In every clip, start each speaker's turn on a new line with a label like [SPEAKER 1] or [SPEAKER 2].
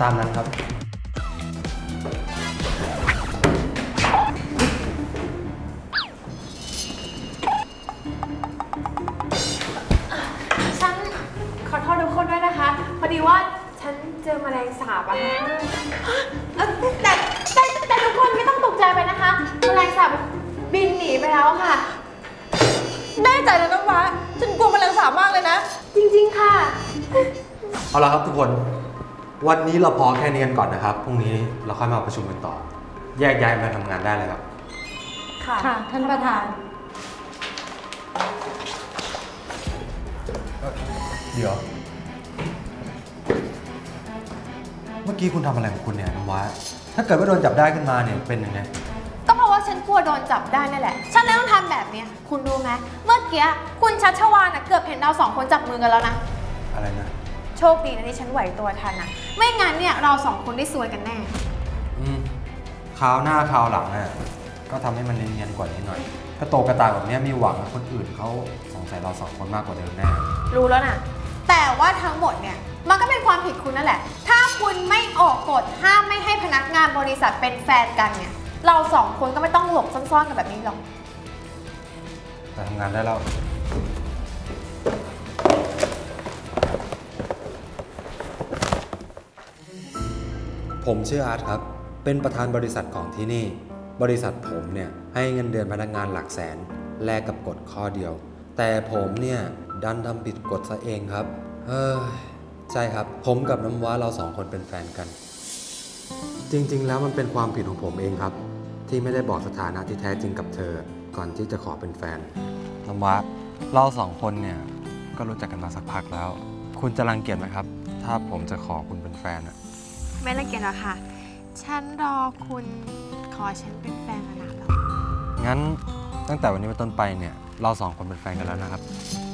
[SPEAKER 1] ตามนั้นครับ
[SPEAKER 2] ฉันขอโทษทุกคนด้วยนะคะพอดีว่าฉันเจอแมลงสาบอะแต่ทุกคนไม่ต้องตกใจไปนะคะแมลงสาบบินหนีไปแล้วค่ะ
[SPEAKER 3] แน่ใจแล้วนะวะฉันกลัวแมลงสาบมากเลยนะ
[SPEAKER 2] จริงๆค่ะ
[SPEAKER 1] เอาละครับทุกคนวันนี้เราพอแค่นี้กันก่อนนะครับพรุ่งนี้เราค่อยมาประชุมกันต่อแยกย้ายมาทำงานได้เลยครับ
[SPEAKER 3] ค่ะท่านประธาน
[SPEAKER 1] เดี๋ยวเมื่อกี้คุณทำอะไรของคุณเนี่ยน้ำว้าถ้าเกิดว่าโดนจับได้ขึ้นมาเนี่ยเป็นยังไง
[SPEAKER 2] ก็เพราะว่าฉันกลัวโดนจับได้นั่นแหละฉันเลยต้องทำแบบนี้คุณรู้ไหมเมื่อกี้คุณชัชวาลเกือบเห็นเรา2 คนจับมือกันแล้วนะ
[SPEAKER 1] อะไรนะ
[SPEAKER 2] โชคดีนะที่ฉันไหวตัวทันนะไม่งั้นเนี่ยเรา2 คนได้ซวยกันแน่
[SPEAKER 1] คราวหน้าคราวหลังน่ะก็ทำให้มันเนียนๆกว่านี้หน่อยกระโตกกระตากแบบนี้มีหวังคนอื่นเขาสงสัยเรา2 คนมากกว่าเดิมแน่
[SPEAKER 2] รู้แล้วนะแต่ว่าทั้งหมดเนี่ยมันก็เป็นความผิดคุณนั่นแหละถ้าคุณไม่ออกกฎห้ามไม่ให้พนักงานบริษัทเป็นแฟนกันเนี่ยเรา2 คนก็ไม่ต้องหลบซ่อนๆกันแบบนี้หรอก
[SPEAKER 1] ไปทำงานได้แล้วผมชื่ออาร์ตครับเป็นประธานบริษัทของที่นี่บริษัทผมเนี่ยให้เงินเดือนพนักงานหลักแสนแลกกับกฎข้อเดียวแต่ผมเนี่ยดันทำผิดกฎซะเองครับใช่ครับผมกับน้ำว้าเรา2 คนเป็นแฟนกันจริงๆแล้วมันเป็นความผิดของผมเองครับที่ไม่ได้บอกสถานะที่แท้จริงกับเธอก่อนที่จะขอเป็นแฟนน้ำว้าเรา2 คนเนี่ยก็รู้จักกันมาสักพักแล้วคุณจะรังเกียจไหมครับถ้าผมจะขอคุณเป็นแฟนอะ
[SPEAKER 2] ไม่รังเกียจหรอกค่ะฉันรอคุณขอฉันเป็นแฟนมานานแล้ว
[SPEAKER 1] งั้นตั้งแต่วันนี้เป็นต้นไปเนี่ยเรา2 คนเป็นแฟนกันแล้วนะครับ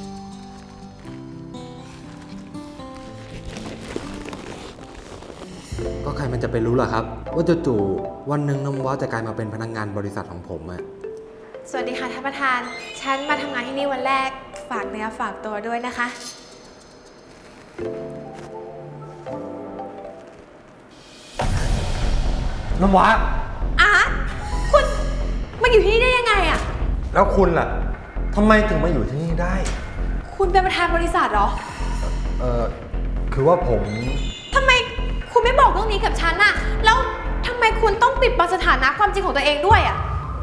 [SPEAKER 1] ก็ใครมันจะไปรู้ล่ะครับว่าจู่ๆวันหนึ่งน้ำว้าจะกลายมาเป็นพนักงานบริษัทของผมอะ
[SPEAKER 2] สวัสดีค่ะท่านประธานฉันมาทำงานที่นี่วันแรกฝากเนื้อฝากตัวด้วยนะคะ
[SPEAKER 1] น้ำว้า
[SPEAKER 2] อาร์ตคุณมาอยู่ที่นี่ได้ยังไงอะ
[SPEAKER 1] แล้วคุณล่ะทำไมถึงมาอยู่ที่นี่ได้
[SPEAKER 2] คุณเป็นประธานบริษัทเหรอ
[SPEAKER 1] คือว่าผม
[SPEAKER 2] ทำไมคุณไม่บอกเรื่องนี้กับฉันอะแล้วทำไมคุณต้องปิดบังสถานะความจริงของตัวเองด้วยอะ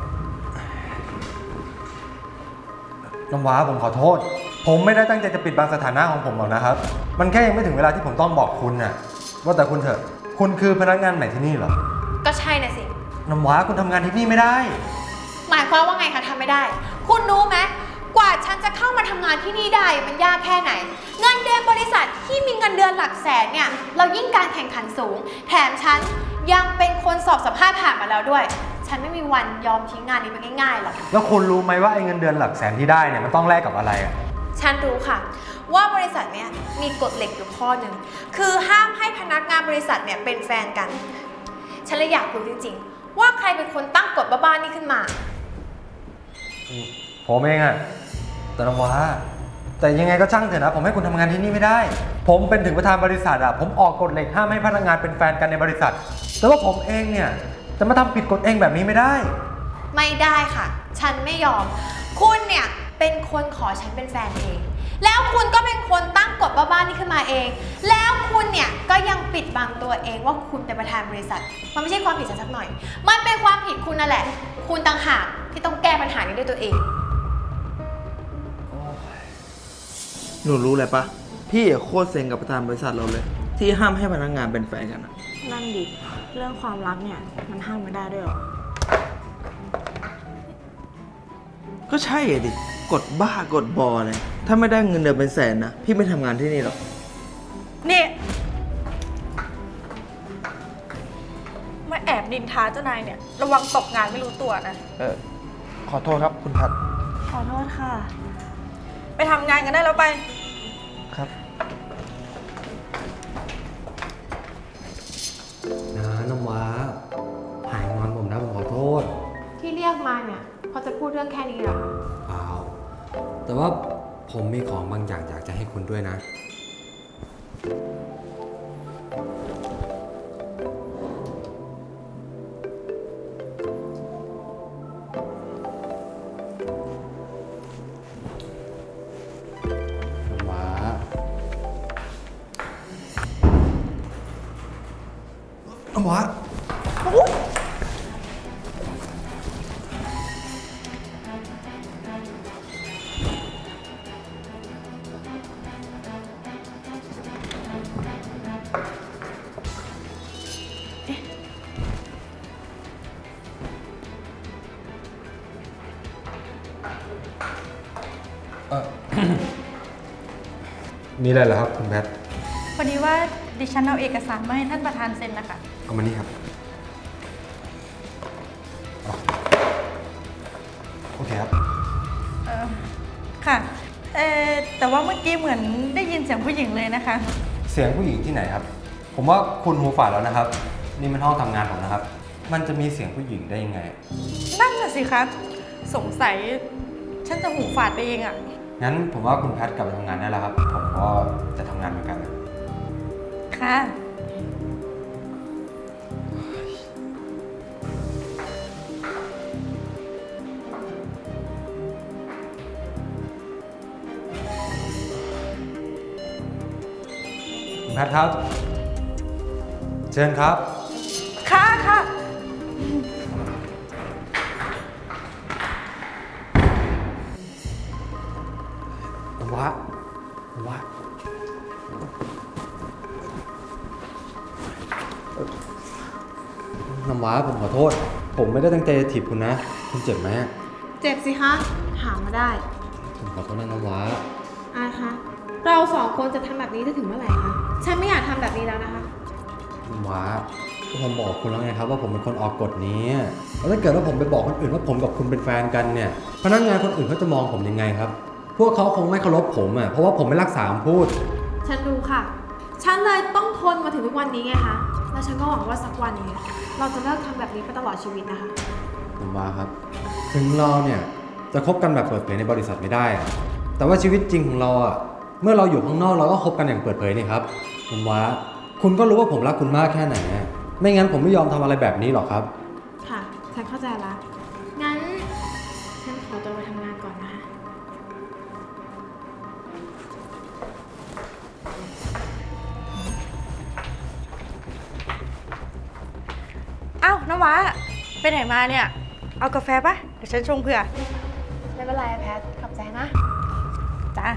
[SPEAKER 1] น้ำว้าผมขอโทษผมไม่ได้ตั้งใจจะปิดบังสถานะของผมหรอกนะครับมันแค่ยังไม่ถึงเวลาที่ผมต้องบอกคุณน่ะว่าแต่คุณเถอะคุณคือพนักงานใหม่ที่นี่เหรอ
[SPEAKER 2] ก็ใช่นะสิ
[SPEAKER 1] น้ำว้าคุณทำงานที่นี่ไม่ได้
[SPEAKER 2] หมายความว่าไงคะทำไม่ได้คุณรู้ไหมกว่าฉันจะเข้ามาทำงานที่นี่ได้มันยากแค่ไหนเงินเดือนบริษัทที่มีเงินเดือนหลักแสนเนี่ยเรายิ่งการแข่งขันสูงแถมฉันยังเป็นคนสอบสัมภาษณ์ผ่านมาแล้วด้วยฉันไม่มีวันยอมทิ้งงานนี้ไปง่ายๆหรอก
[SPEAKER 1] แล้วคุณรู้ไหมว่าไอ้เงินเดือนหลักแสนที่ได้เนี่ยมันต้องแลกกับอะไรอ่ะ
[SPEAKER 2] ฉันรู้ค่ะว่าบริษัทเนี้ยมีกฎเหล็กอยู่ข้อหนึ่งคือห้ามให้พนักงานบริษัทเนี่ยเป็นแฟนกันฉันเลยอยากรู้จริงๆว่าใครเป็นคนตั้งกฎบ้าๆนี่ขึ้นมา
[SPEAKER 1] ผมเองอะแต่น้ำว้าแต่ยังไงก็ช่างเถอะนะผมให้คุณทำงานที่นี่ไม่ได้ผมเป็นถึงประธานบริษัทอะผมออกกฎเหล็กห้ามให้พนักงานเป็นแฟนกันในบริษัทแต่ว่าผมเองเนี่ยจะมาทำผิดกฎเองแบบนี้ไม่ได้
[SPEAKER 2] ไม่ได้ค่ะฉันไม่ยอมคุณเนี่ยเป็นคนขอฉันเป็นแฟนเองแล้วคุณก็เป็นคนตั้งกฎบ้าๆนี่ขึ้นมาเองแล้วคุณเนี่ยก็ยังปิดบังตัวเองว่าคุณเป็นประธานบริษัทมันไม่ใช่ความผิดฉันสักหน่อยมันเป็นความผิดคุณนั่นแหละคุณต่างหากที่ต้องแก้ปัญหานี้ด้วยตัวเอง
[SPEAKER 4] หนูรู้เลยปะพี่โคตรเซ็งกับประธานบริษัทเราเลยที่ห้ามให้พนักงานเป็นแฟนกันอะ
[SPEAKER 3] นั่นดิเรื่องความรักเนี่ยมันห้ามไม่ได้ด้วยหรอ
[SPEAKER 4] ก็ใช่ดิกดบ้ากดบอเลยถ้าไม่ได้เงินเดือนเป็นแสนนะพี่ไม่ทำงานที่นี่หรอก
[SPEAKER 3] นี่มาแอบดินท้าเจ้านายเนี่ยระวังตกงานไม่รู้ตัวนะ
[SPEAKER 4] ขอโทษครับคุณพัด
[SPEAKER 3] ขอโทษค่ะไปทำงานกันได้แล้วไป
[SPEAKER 4] ครับ
[SPEAKER 1] นะน้ำว้าหายงอนผมนะผมขอโทษ
[SPEAKER 2] ที่เรียกมาเนี่ยพอจะพูดเรื่องแค่นี้เหรอ
[SPEAKER 1] เปล่าแต่ว่าผมมีของบางอย่างอยากจะให้คุณด้วยนะำว้ามีอะไรเหรอครับคุณแพท
[SPEAKER 3] พอดีว่าดิฉันเอาเอกสารมาให้ท่านประธานเซ็นนะคะ
[SPEAKER 1] เอามานี่ครับอ๋อโอเคครับ
[SPEAKER 3] ค่ะแต่ว่าเมื่อกี้เหมือนได้ยินเสียงผู้หญิงเลยนะคะ
[SPEAKER 1] เสียงผู้หญิงที่ไหนครับ ผมว่าคุณหูฝาดแล้วนะครับ นี่มันห้องทำงานผมนะครับ มันจะมีเสียงผู้หญิงได้ยังไง
[SPEAKER 3] นั่นน่ะสิคะสงสัยฉันจะหูฝาดไปเองอะ
[SPEAKER 1] งั้นผมว่าคุณแพทกลับไปทำงานได้แล้วครับ ผมก็จะทำงานเหมือนกันนะ
[SPEAKER 3] ค่ะ
[SPEAKER 1] คุณแพทครับ เชิญครับ
[SPEAKER 3] ค่ะค่ะ
[SPEAKER 1] น้ำว้าน้ำว้าน้ำว้าผมขอโทษ ผมไม่ได้ตั้งใจจะถีบคุณนะ คุณเจ็บไหม
[SPEAKER 2] เจ็บสิคะ ถามมาได้
[SPEAKER 1] ผมขอโทษนะน้ำว้า
[SPEAKER 2] อาคะ เราสองคนจะทำแบบนี้จะถึงเมื่อไหร่คะ ฉันไม่อยากทำแบบนี้แล้วนะคะ
[SPEAKER 1] น้ำว้าก็ผมบอกคุณแล้วไงครับว่าผมเป็นคนออกกฎนี้ แล้วถ้าเกิดว่าผมไปบอกคนอื่นว่าผมกับคุณเป็นแฟนกันเนี่ย พนักงานคนอื่นเขาจะมองผมยังไงครับ พวกเขาคงไม่เคารพผมอ่ะ เพราะว่าผมไม่รักษาคำพูด
[SPEAKER 2] ฉันรู้ค่ะ ฉันเลยต้องทนมาถึงทุกวันนี้ไงคะ แล้วฉันก็หวังว่าสักวันหนึงเราจะเลิกทำแบบนี้ไปตลอดชีวิตนะคะ
[SPEAKER 1] ผมว่าครับ ถึงเราเนี่ยจะคบกันแบบเปิดเผยในบริษัทไม่ได้อะแต่ว่าชีวิตจริงของเราอ่ะเมื่อเราอยู่ข้างนอกเราก็คบกันอย่างเปิดเผยนี่ครับผมว่าคุณก็รู้ว่าผมรักคุณมากแค่ไหนอะไม่งั้นผมไม่ยอมทำอะไรแบบนี้หรอกครับ
[SPEAKER 2] ค่ะ ฉันเข้าใจละ งั้น ฉันขอตัวไปทำงานก่อนนะคะ
[SPEAKER 3] อ้าวน้ำว้าไปไหนมาเนี่ย เอากาแฟปะเดี๋ยวฉันชงเผื่อ
[SPEAKER 2] ไม่เป็นไรแพท ขอบใจนะ
[SPEAKER 3] จ้า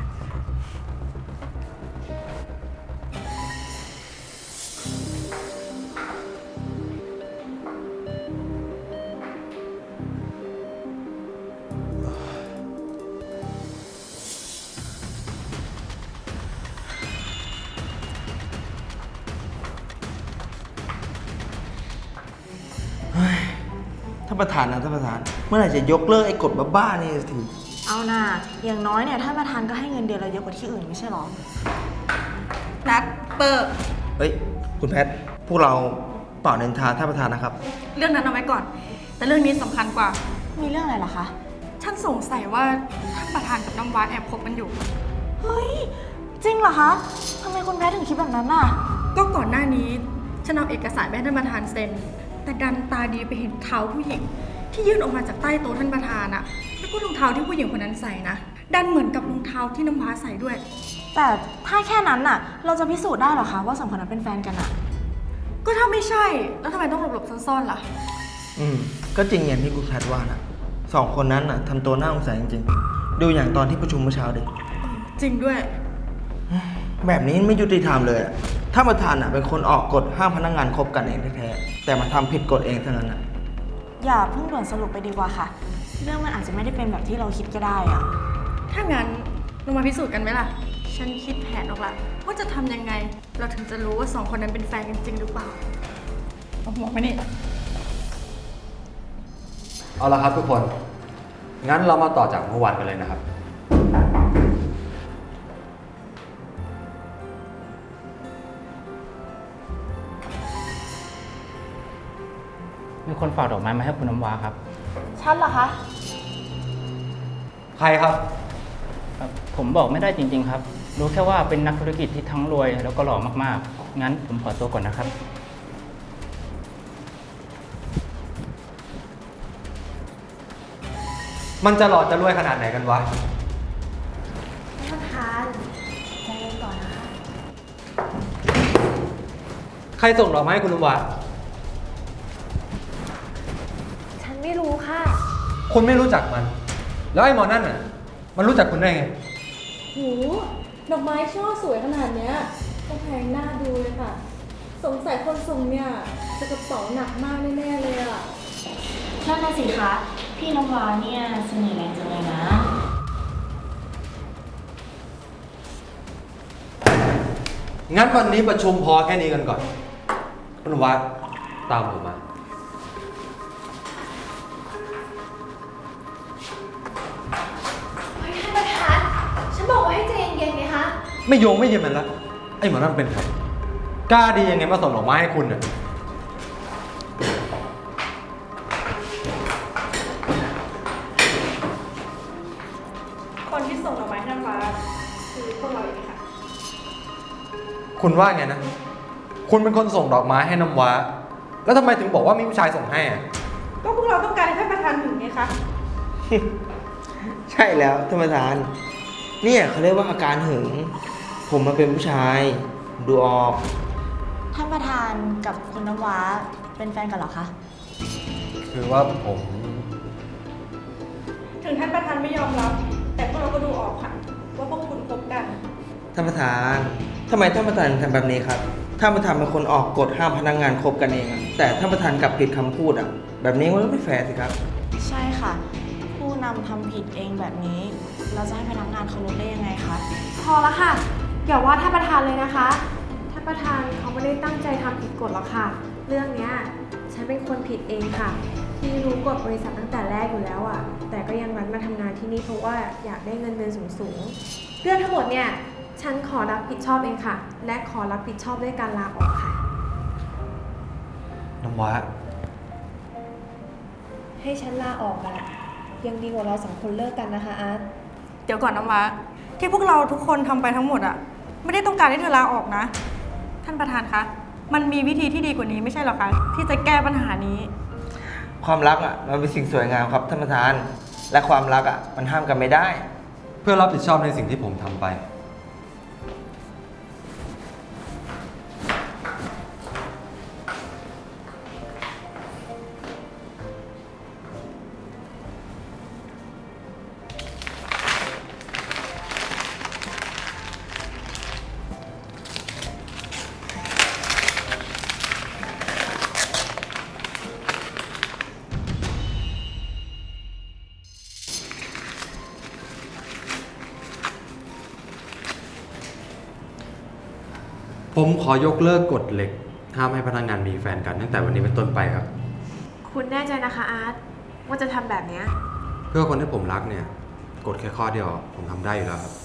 [SPEAKER 4] ท่านประธานนะท่านประธาน เมื่อไหร่จะยกเลิกไอ้กฎบ้าๆนี่สักที
[SPEAKER 5] เอาน่ะอย่างน้อยเนี่ยท่านประธานก็ให้เงินเดือนเราเยอะกว่าที่อื่นไม่ใช่หรอ
[SPEAKER 3] นัดเปิด
[SPEAKER 4] เฮ้ย คุณแพท พวกเราเป่าเนินทาท่านประธานนะครับ
[SPEAKER 3] เรื่องนั้นเอาไว้ก่อน แต่เรื่องนี้สำคัญกว่า
[SPEAKER 5] มีเรื่องอะไรเหรอคะ
[SPEAKER 3] ฉันสงสัยว่าท่านประธานกับน้ำว้าแอบคบกันอยู่
[SPEAKER 5] เฮ้ย จริงเหรอคะทำไมคุณแพทถึงคิดแบบนั้นน่ะ
[SPEAKER 3] ก็ก่อนหน้านี้ฉันเอาเอกสารไปให้ท่านประธานเซ็น แต่ดันตาดีไปเห็นเท้าผู้หญิง ที่ยื่นออกมาจากใต้โต๊ะท่านประธานอะแล้วก็รองเท้าที่ผู้หญิงคนนั้นใส่นะ ดันเหมือนกับรองเท้าที่น้ำว้าใส่ด้วย
[SPEAKER 5] แต่ถ้าแค่นั้นน่ะ เราจะพิสูจน์ได้เหรอคะว่าสองคนนั้นเป็นแฟนกันน่ะ
[SPEAKER 3] ก็ถ้าไม่ใช่ แล้วทำไมต้องหลบๆซ่อนๆล่ะ
[SPEAKER 4] ก็จริงอย่างที่คุณแพทว่านะสองคนนั้นน่ะทำตัวน่าสงสัยจริงๆ ดูอย่างตอนที่ประชุมเมื่อเช้าดิ
[SPEAKER 3] จริงด้วย
[SPEAKER 4] แบบนี้ไม่ยุติธรรมเลยอะท่านประธานน่ะเป็นคนออกกฎห้ามพนักงานคบกันเองแท้ๆแต่มาทำผิดกฎเองเท่านั้นน่ะ
[SPEAKER 5] อย่าเพิ่งด่วนสรุปไปดีกว่าค่ะ เรื่องมันอาจจะไม่ได้เป็นแบบที่เราคิดก็ได้อะ
[SPEAKER 3] ถ้างั้นเรามาพิสูจน์กันไหมล่ะ ฉันคิดแผนออกละว่าจะทำยังไง เราถึงจะรู้ว่าสองคนนั้นเป็นแฟนกันจริงหรือเปล่า เอาหัวมานี่
[SPEAKER 1] เอาละครับทุกคน งั้นเรามาต่อจากเมื่อวานกันเลยนะครับ
[SPEAKER 6] มีคนฝากดอกไม้มาให้คุณน้ำว้าครับ
[SPEAKER 5] ฉันเหรอคะ
[SPEAKER 1] ใครครับ
[SPEAKER 6] ผมบอกไม่ได้จริง ๆ ครับ รู้แค่ว่าเป็นนักธุรกิจที่ทั้งรวยแล้วก็หล่อมากๆ งั้นผมขอตัวก่อนนะครับ
[SPEAKER 1] มันจะหล่อจะรวยขนาดไหนกันวะ
[SPEAKER 2] ท่านประธานใจเย็นก่อนนะคะ
[SPEAKER 1] ใครส่งดอกไม้ให้คุณน้ำว้า
[SPEAKER 2] ไม่รู้ค่ะ
[SPEAKER 1] คุณไม่รู้จักมัน แล้วไอ้หมอนั่นน่ะ มันรู้จักคุณได้ไง
[SPEAKER 3] หูดอกไม้ช่อสวยขนาดเนี้ยต้องแพงหน้าดูเลยค่ะ สงสัยคนส่งเนี่ยจะกระเป๋าหนักมากแน่ๆเลยอ่ะ
[SPEAKER 5] นั่นน่ะสิคะ พี่น้ำว้าเนี่ยเสน่ห์แรงจังเลยนะ
[SPEAKER 1] งั้นวันนี้ประชุมพอแค่นี้กันก่อน คุณวัดตามผมมา
[SPEAKER 2] เฮ้ยท่านประธาน ฉันบอกว่าให้ใจเย็นๆไงคะ
[SPEAKER 1] ไม่โยงไม่เย็นมันละไอ้หมอนั่นเป็นใคร กล้าดียังไงมาส่งดอกไม้ให้คุณน่ะ
[SPEAKER 3] คนที่ส่งดอกไม้ให้น้ำว้าคือพวกเราเองค่ะ
[SPEAKER 1] คุณว่าไงนะ คุณเป็นคนส่งดอกไม้ให้น้ำว้า แล้วทำไมถึงบอกว่ามีผู้ชายส่งให้อะ
[SPEAKER 3] ก็พวกเราต้องการให้ท่านประธานถึงไงคะ
[SPEAKER 4] ใช่แล้วท่านประธาน เนี่ยเขาเรียกว่าอาการหึง ผมมาเป็นผู้ชาย ดูออก
[SPEAKER 5] ท่านประธานกับคุณน้ำว้าเป็นแฟนกันเหรอคะ
[SPEAKER 1] คือว่าผม
[SPEAKER 3] ถึงท่านประธานไม่ยอมรับ แต่พวกเราก็ดูออกค่ะ ว่าพวกคุณคบกัน
[SPEAKER 4] ท่านประธานทำไมท่านประธานทำแบบนี้ครับท่านประธานเป็นคนออกกฎห้ามพนักงานคบกันเองอะแต่ท่านประธานกลับผิดคำพูดอ่ะ แบบนี้มันก็ไม่แฟร์สิครับ
[SPEAKER 5] ใช่ค่ะ ผู้นำทำผิดเองแบบนี้ เราจะให้พนักงานเคารพได้ยังไงคะ
[SPEAKER 2] พอละค่ะ อย่าว่าท่านประธานเลยนะคะ ท่านประธานเขาไม่ได้ตั้งใจทำผิดกฎหรอกค่ะ เรื่องเนี้ยฉันเป็นคนผิดเองค่ะ ที่รู้กฎบริษัทตั้งแต่แรกอยู่แล้วอ่ะ แต่ก็ยังรันมาทำงานที่นี่เพราะว่าอยากได้เงินเดือนสูงๆ เรื่องทั้งหมดเนี่ย ฉันขอรับผิดชอบเองค่ะ และขอรับผิดชอบด้วยการลาออกค่ะ
[SPEAKER 1] น้ำว้า
[SPEAKER 2] ให้ฉันลาออกอะยังดีกว่าเราสองคนเลิกกันนะคะอาร์ต
[SPEAKER 3] เดี๋ยวก่อนน้ำว้าที่พวกเราทุกคนทำไปทั้งหมดอ่ะ ไม่ได้ต้องการให้เธอลาออกนะ ท่านประธานคะ มันมีวิธีที่ดีกว่านี้ไม่ใช่หรอคะ ที่จะแก้ปัญหานี้
[SPEAKER 4] ความรักอ่ะมันเป็นสิ่งสวยงามครับท่านประธาน และความรักอ่ะมันห้ามกันไม่ได้
[SPEAKER 1] เพื่อรับผิดชอบในสิ่งที่ผมทำไป ผมขอยกเลิกกฎเหล็ก ห้ามให้พนักงานมีแฟนกันตั้งแต่วันนี้เป็นต้นไปครับ
[SPEAKER 2] คุณแน่ใจนะคะอาร์ตว่าจะทำแบบเนี้ย
[SPEAKER 1] เพื่อคนที่ผมรักเนี่ย กฎแค่ข้อเดียวผมทำได้อยู่แล้วครับ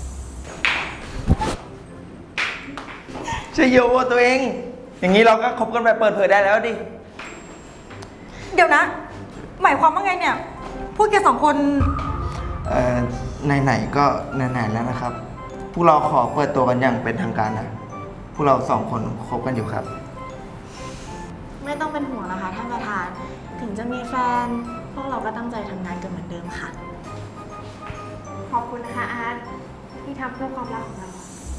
[SPEAKER 4] ใช่โยตัวเอง อย่างนี้เราก็คบกันแบบเปิดเผยได้แล้วดิ
[SPEAKER 3] เดี๋ยวนะ หมายความว่าไงเนี่ย พูดแกสองคน
[SPEAKER 4] ไหนๆก็ไหนๆแล้วนะครับ พวกเราขอเปิดตัวกันอย่างเป็นทางการนะพวกเราสองคนคบกันอยู่ครับ
[SPEAKER 5] ไม่ต้องเป็นห่วงนะคะท่านประธาน ถึงจะมีแฟน พวกเราก็ตั้งใจทำงานกันเหมือนเดิมค่ะ
[SPEAKER 2] ขอบคุณนะคะอาร์ตที่ทำเพื่อความรักของเรา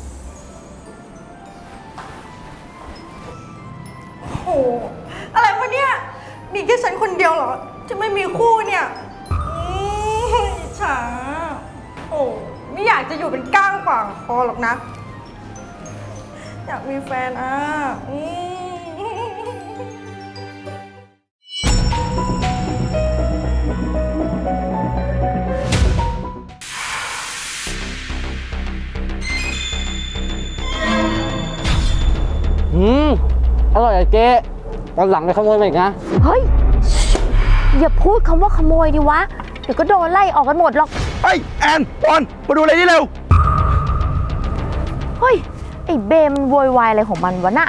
[SPEAKER 3] โอ้โห อะไรวะเนี่ย มีแค่ฉันคนเดียวเหรอ จะไม่มีคู่เนี่ยอิจฉาโอ้ไม่อยากจะอยู่เป็นก้างขวางคอหรอกนะ อยากมีแฟนอ่ะ
[SPEAKER 7] อร่อยอะเจ๊วันหลังไปขโมยมาอีกนะ
[SPEAKER 8] เฮ้ย อย่าพูดคำว่าขโมยดิวะ เดี๋ยวก็โดนไล่ออกกันหมดหรอก
[SPEAKER 4] เฮ้ย แอนปอนมาดูอะไรนี่เร็ว
[SPEAKER 8] เฮ้ย ไอ้เบมมันโวยวายอะไรของมันวะน่ะ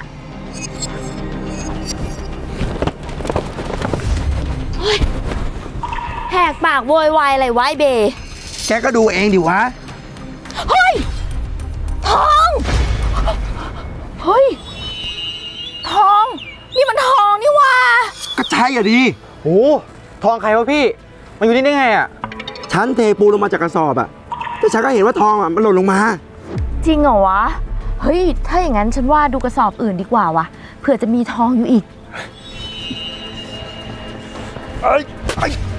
[SPEAKER 8] เฮ้ย แหกปากโวยวายอะไรวะไอ้เบ
[SPEAKER 4] แกก็ดูเองดิวะ
[SPEAKER 8] เฮ้ย ทอง เฮ้ย ทอง นี่มันทองนี่ว่า
[SPEAKER 4] ก็ใช่อ่ะดิ
[SPEAKER 7] โอ้ทองใครวะพี่ มันอยู่นี่ได้ไงอ่ะ
[SPEAKER 4] ฉันเทปูนลงมาจากกระสอบอ่ะแต่ฉันก็เห็นว่าทองอ่ะมันหล่นลงมา
[SPEAKER 8] จริงเหรอวะ เฮ้ย ถ้าอย่างนั้นฉันว่าดูกระสอบอื่นดีกว่าวะ เผื่อจะมีทองอยู่อีก
[SPEAKER 4] เอ้ย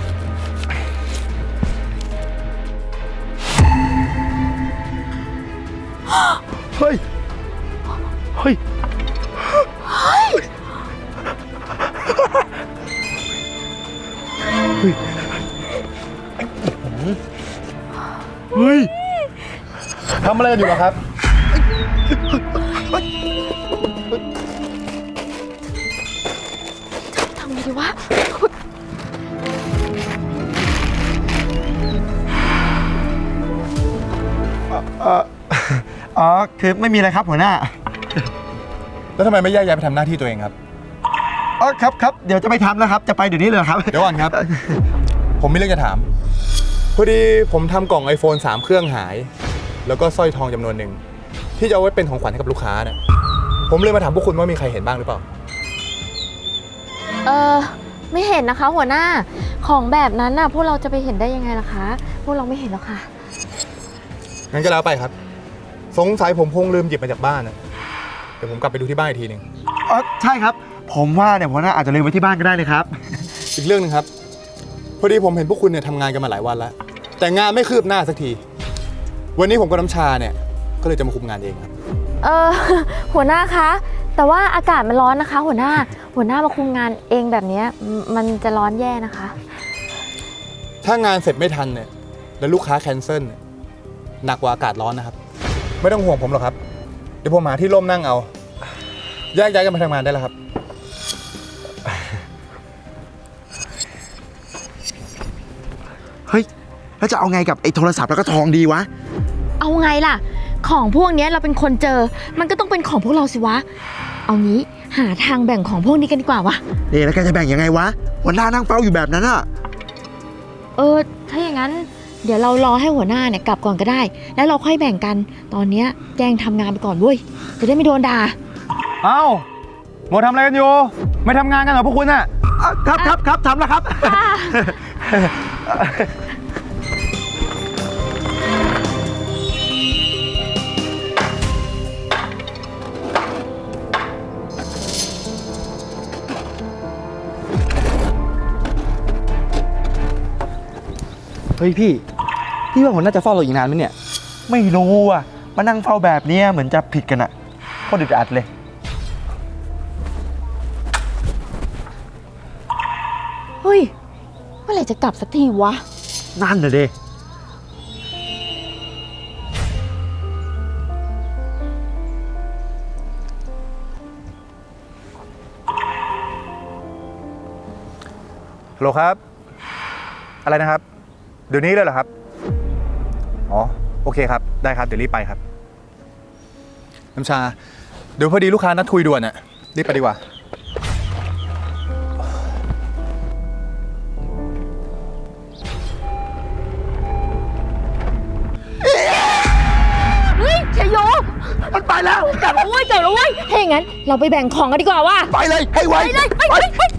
[SPEAKER 7] เฮ้ย เฮ้ย เฮ้ย ทำอะไรกันอยู่อะครับ
[SPEAKER 8] ทำไงดีวะ
[SPEAKER 7] อ๋อ คือไม่มีอะไรครับหัวหน้า
[SPEAKER 9] แล้วทำไมไม่แยกย้ายไปทำหน้าที่ตัวเองครับ
[SPEAKER 7] อ๋อ ครับ เดี๋ยวจะไปทำแล้วครับ จะไปเดี๋ยวนี้เลยครับ
[SPEAKER 9] เดี๋ยวก่อนครับ ผมมีเรื่องจะถาม พอดีผมทำกล่อง iPhone 3 เครื่องหาย แล้วก็สร้อยทองจำนวนหนึ่งที่จะเอาไว้เป็นของขวัญให้กับลูกค้าเนี่ยผมเลยมาถามพวกคุณว่ามีใครเห็นบ้างหรือเปล่า
[SPEAKER 8] ไม่เห็นนะคะหัวหน้า ของแบบนั้นน่ะพวกเราจะไปเห็นได้ยังไงล่ะคะ พวกเราไม่เห็นหรอกค่ะ
[SPEAKER 9] งั้นก็แล้วไปครับ สงสัยผมคงลืมหยิบมาจากบ้านนะเดี๋ยวผมกลับไปดูที่บ้านอีกทีหนึ่ง
[SPEAKER 7] อ๋อ ใช่ครับ ผมว่าเนี่ยหัวหน้าอาจจะลืมไว้ที่บ้านก็ได้เลยครับ
[SPEAKER 9] อีกเรื่องหนึงครับ พอดีผมเห็นพวกคุณเนี่ยทำงานกันมาหลายวันแล้ว แต่งานไม่คืบหน้าสักที วันนี้ผมกับน้ำชาเนี่ยก็เลยจะมาคุมงานเองครับ
[SPEAKER 8] หัวหน้าคะ แต่ว่าอากาศมันร้อนนะคะ หัวหน้ามาคุมงานเองแบบนี้มันจะร้อนแย่นะคะ
[SPEAKER 9] ถ้างานเสร็จไม่ทันเนี่ยแล้วลูกค้าแคนเซิลเนี่ยหนักกว่าอากาศร้อนนะครับ ไม่ต้องห่วงผมหรอกครับ เดี๋ยวผมหาที่ร่มนั่งเอาแยกย้ายกันไปทำงานได้แล้วครับ
[SPEAKER 7] เฮ้ย แล้วจะเอาไงกับไอ้โทรศัพท์แล้วก็ทองดีวะ
[SPEAKER 8] เอาไงล่ะ ของพวกเนี้ยเราเป็นคนเจอ มันก็ต้องเป็นของพวกเราสิวะ เอางี้หาทางแบ่งของพวกนี้กันดีกว่าวะ
[SPEAKER 7] นี่แล้วแกจะแบ่งยังไงวะหัวหน้านั่งเฝ้าอยู่แบบนั้นอะ
[SPEAKER 8] ถ้าอย่างนั้นเดี๋ยวเรารอให้หัวหน้าเนี่ยกลับก่อนก็ได้ แล้วเราค่อยแบ่งกัน ตอนเนี้ยแจ้งทำงานไปก่อนเว้ย จะได้ไม่โดนด่า
[SPEAKER 7] เอ้าหมดทำอะไรกันอยู่ ไม่ทำงานกันเหรอพวกคุณอะครับทำแล้วครับ เฮ้ยพี่ว่าหัวหน้าจะเฝ้าเราอีกนานไหมเนี่ย ไม่รู้อ่ะ มานั่งเฝ้าแบบเนี้ยเหมือนจะผิดกันอะโคตรอึดอัดเลย
[SPEAKER 8] เฮ้ย เมื่อไหร่จะกลับสักทีวะ
[SPEAKER 7] นั่นน่ะดิ
[SPEAKER 9] ฮัลโหลครับ อะไรนะครับ เดี๋ยวนี้เลยเหรอครับ อ๋อ โอเคครับ ได้ครับ เดี๋ยวรีบไปครับ น้ำชา เดี๋ยวพอดีลูกค้านัดคุยด่วนอะรีบไปดีกว่า
[SPEAKER 8] เฮ้ยชยโยมันไปแล้วกลับแล้วเว้ยถ้าอย่างนั้นเราไปแบ่งของกันดีกว่าว่ะ
[SPEAKER 7] ไปเลยให้ไว
[SPEAKER 8] ไปเลยไป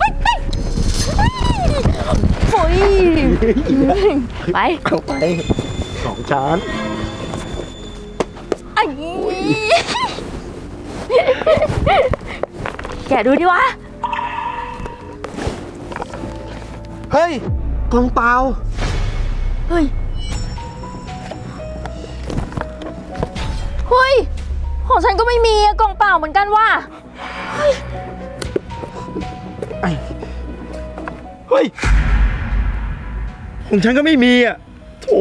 [SPEAKER 8] โอ้ยไป
[SPEAKER 7] เอาไปของฉัน
[SPEAKER 8] ไอ้แกะดูดิวะ
[SPEAKER 7] เฮ้ยกล่องเปล่า
[SPEAKER 8] เฮ้ยของฉันก็ไม่มีอะกล่องเปล่าเหมือนกันว่ะ
[SPEAKER 7] เฮ้ย ของฉันก็ไม่มีอ่ะโถ่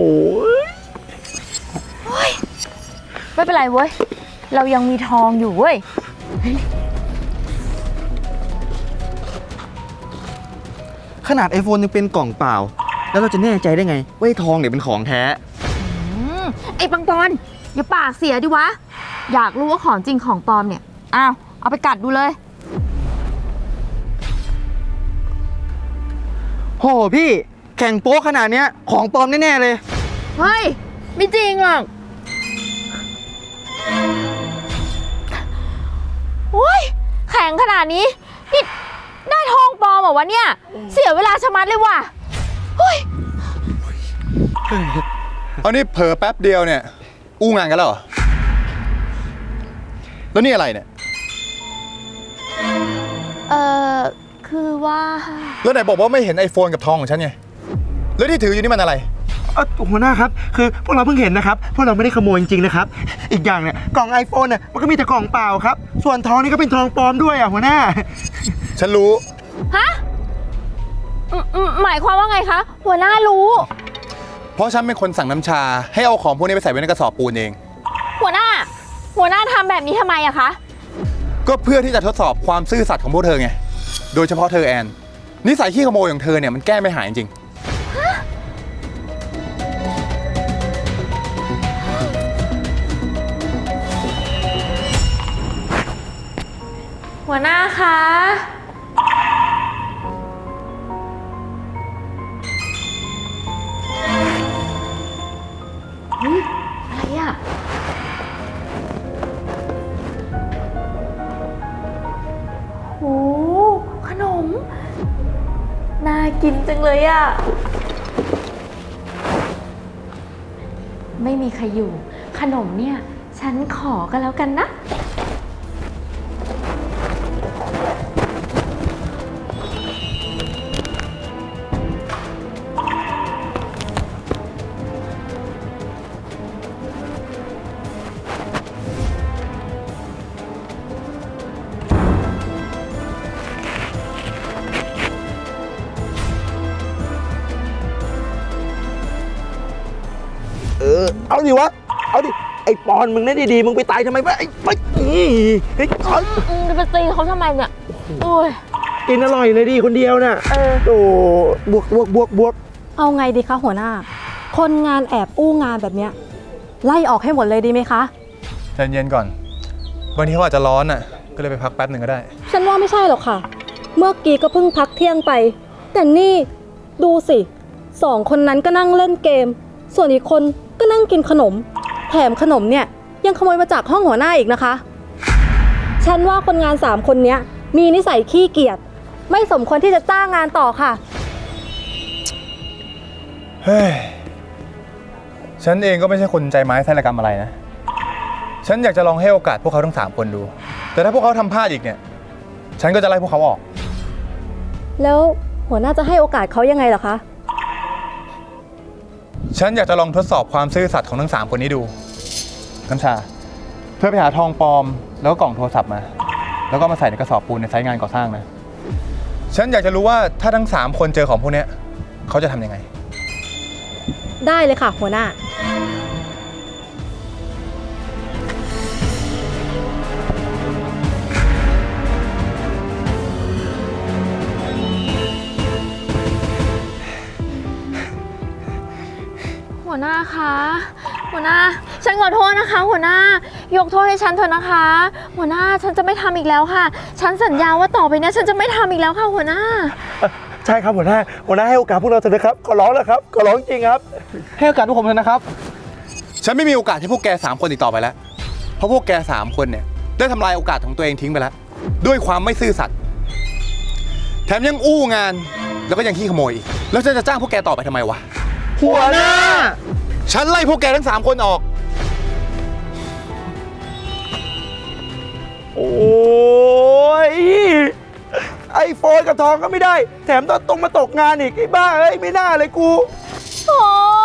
[SPEAKER 8] ไม่เป็นไรเว้ย เรายังมีทองอยู่เว้ย
[SPEAKER 7] ขนาด iPhone ยังเป็นกล่องเปล่า แล้วเราจะแน่ใจได้ไงว่าไอ้ทองเนี่ยเป็นของแท้
[SPEAKER 8] ไอ้ปังปอนอย่าปากเสียดิวะ อยากรู้ว่าของจริงของปลอมเนี่ย อ้าว เอาไปกัดดูเลย
[SPEAKER 7] โหพี่แข่งโป๊ขนาดเนี้ยของปลอมแน่ๆเลย
[SPEAKER 8] เฮ้ย ไม่จริงหรอกโอ้ยแข็งขนาดนี้ นี่ได้ทองปลอมเหรอวะเนี่ย เสียเวลาชะมัดเลยว่ะเฮ้ย
[SPEAKER 9] เอานี่เผลอแป๊บเดียวเนี่ย อู้งานกันแล้วเหรอ แล้วนี่อะไรเนี่ย
[SPEAKER 8] คือว่า
[SPEAKER 9] แล้วไหนบอกว่าไม่เห็น iPhone กับทองของฉันไง แล้วที่ถืออยู่นี่มันอะไร
[SPEAKER 7] หัวหน้าครับ คือพวกเราเพิ่งเห็นนะครับ พวกเราไม่ได้ขโมยจริงๆนะครับ อีกอย่างเนี่ยกล่อง iPhone เนี่ยมันก็มีแต่กล่องเปล่าครับ ส่วนทองนี่ก็เป็นทองปลอมด้วยหัวหน้า
[SPEAKER 9] ฉันรู้
[SPEAKER 8] ฮะหมายความว่าไงคะ หัวหน้ารู้
[SPEAKER 9] เพราะฉันเป็นคนสั่งน้ำชา ให้เอาของพวกนี้ไปใส่ไว้ในกระสอบปูนเอง
[SPEAKER 8] หัวหน้าทำแบบนี้ทำไมอะคะ
[SPEAKER 9] ก็เพื่อที่จะทดสอบความซื่อสัตย์ของพวกเธอไง โดยเฉพาะเธอแอน นิสัยขี้ขโมยของเธอเนี่ยมันแก้ไม่หายจริง
[SPEAKER 2] หัวหน้าคะ
[SPEAKER 8] อะไรอะโหขนม น่ากินจังเลยอะไม่มีใครอยู่ ขนมเนี่ย ฉันขอก็แล้วกันนะ
[SPEAKER 7] เอาดิวะ เอาดิ ไอ้ปอนมึงเล่นดีๆมึงไปตายทำไมวะไอ้ไปไอ้ปอน
[SPEAKER 8] จะไปตีเขาทำไมเนี่ย โอ้ย
[SPEAKER 7] กินอร่อยเลยดิคนเดียวน่ะโอ้บวก
[SPEAKER 10] เอาไงดีคะหัวหน้า คนงานแอบอู้งานแบบเนี้ยไล่ออกให้หมดเลยดีไหมคะ
[SPEAKER 9] ใจเย็นก่อน วันนี้เขาอาจจะร้อนอ่ะ ก็เลยไปพักแป๊บหนึ่งก็ได้
[SPEAKER 10] ฉันว่าไม่ใช่หรอกค่ะ เมื่อกี้ก็เพิ่งพักเที่ยงไป แต่นี่ดูสิ2 คนนั้นก็นั่งเล่นเกม ส่วนอีกคนก็นั่งกินขนม แถมขนมเนี่ยยังขโมยมาจากห้องหัวหน้าอีกนะคะ ฉันว่าคนงาน3 คนเนี้ยมีนิสัยขี้เกียจไม่สมควรที่จะจ้างงานต่อค่ะ
[SPEAKER 9] เฮ้ย ฉันเองก็ไม่ใช่คนใจไม้ไส้ระกรรมอะไรนะ ฉันอยากจะลองให้โอกาสพวกเขาทั้ง3 คนดู แต่ถ้าพวกเขาทำพลาดอีกเนี่ย ฉันก็จะไล่พวกเขาออก
[SPEAKER 10] แล้วหัวหน้าจะให้โอกาสเขายังไงเหรอคะ
[SPEAKER 9] ฉันอยากจะลองทดสอบความซื่อสัตย์ของทั้ง3 คนนี้ดูน้ำชา เพื่อไปหาทองปลอมแล้วก็กล่องโทรศัพท์มา แล้วก็มาใส่ในกระสอบปูนในไซต์งานก่อสร้างนะ ฉันอยากจะรู้ว่าถ้าทั้ง3 คนเจอของพวกนี้เขาจะทำยังไง
[SPEAKER 10] ได้เลยค่ะหัวหน้า
[SPEAKER 8] หัวหน้าคะ หัวหน้า ฉันขอโทษนะคะ หัวหน้ายกโทษให้ฉันเถอะนะคะ หัวหน้าฉันจะไม่ทำอีกแล้วค่ะ ฉันสัญญาว่าต่อไปเนี้ยฉันจะไม่ทำอีกแล้วค่ะหัวหน้า
[SPEAKER 7] ใช่ครับหัวหน้าให้โอกาสพวกเราเถอะนะครับขอร้องแล้วครับขอร้องจริงครับ
[SPEAKER 4] ให้โอกาสพวกผมเถอะนะครับ
[SPEAKER 9] ฉันไม่มีโอกาสให้พวกแก3 คนอีกต่อไปแล้ว เพราะพวกแก3 คนเนี่ยได้ทำลายโอกาสของตัวเองทิ้งไปแล้ว ด้วยความไม่ซื่อสัตย์ แถมยังอู้งาน แล้วก็ยังขี้ขโมยอีก แล้วฉันจะจ้างพวกแกต่อไปทำไมวะ
[SPEAKER 7] หัวหน้า
[SPEAKER 9] ฉันไล่พวกแกทั้ง3 คนออก
[SPEAKER 7] โอ้ยไอโฟนกับทองก็ไม่ได้ แถมต้องมาตกงานอีกไอ้บ้าเอ้ยไม่น่าเลยกู
[SPEAKER 8] โอ้